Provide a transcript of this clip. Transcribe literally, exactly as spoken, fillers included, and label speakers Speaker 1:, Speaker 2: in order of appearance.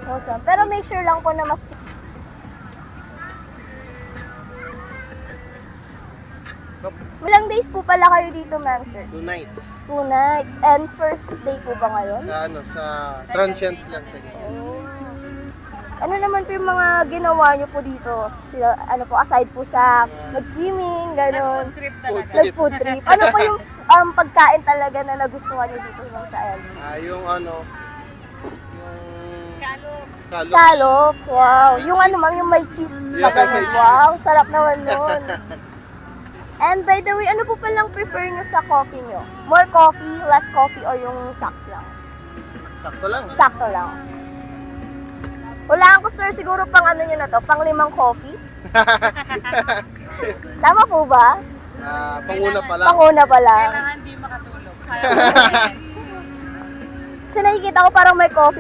Speaker 1: Awesome. Pero make sure lang po na mas...
Speaker 2: Nope.
Speaker 1: Ilang days po pala kayo dito, ma'am, sir?
Speaker 2: Two nights.
Speaker 1: Two nights. And first day po ba ngayon?
Speaker 2: Sa ano, sa transient lang sa ganyan.
Speaker 1: Oh. Ano naman po yung mga ginawa nyo po dito? Sila, ano po, aside po sa mag-swimming, gano'n.
Speaker 3: Trip
Speaker 2: Food
Speaker 3: talaga.
Speaker 2: trip.
Speaker 1: Nag-food trip. Ano po yung um, pagkain talaga na nagustuhan nyo dito lang sa L A?
Speaker 2: Ah, yung ano, yung
Speaker 3: Scallops.
Speaker 2: scallops.
Speaker 1: Scallops, wow. Yung ano ma'am, yung may cheese na
Speaker 2: Yeah,
Speaker 1: gano'n.
Speaker 2: may cheese.
Speaker 1: Wow, sarap naman nun. And by the way, ano po palang prefer nyo sa coffee nyo? More coffee, less coffee, or yung socks lang?
Speaker 2: Sakto lang.
Speaker 1: Sakto lang. Hulaan ko sir, siguro pang ano nyo na to, pang limang coffee? Tama po ba?
Speaker 2: Ah, panguna pa lang.
Speaker 1: Panguna pa lang.
Speaker 3: Kailangan di makatulog. Sayang.
Speaker 1: Kasi nakikita ko parang may coffee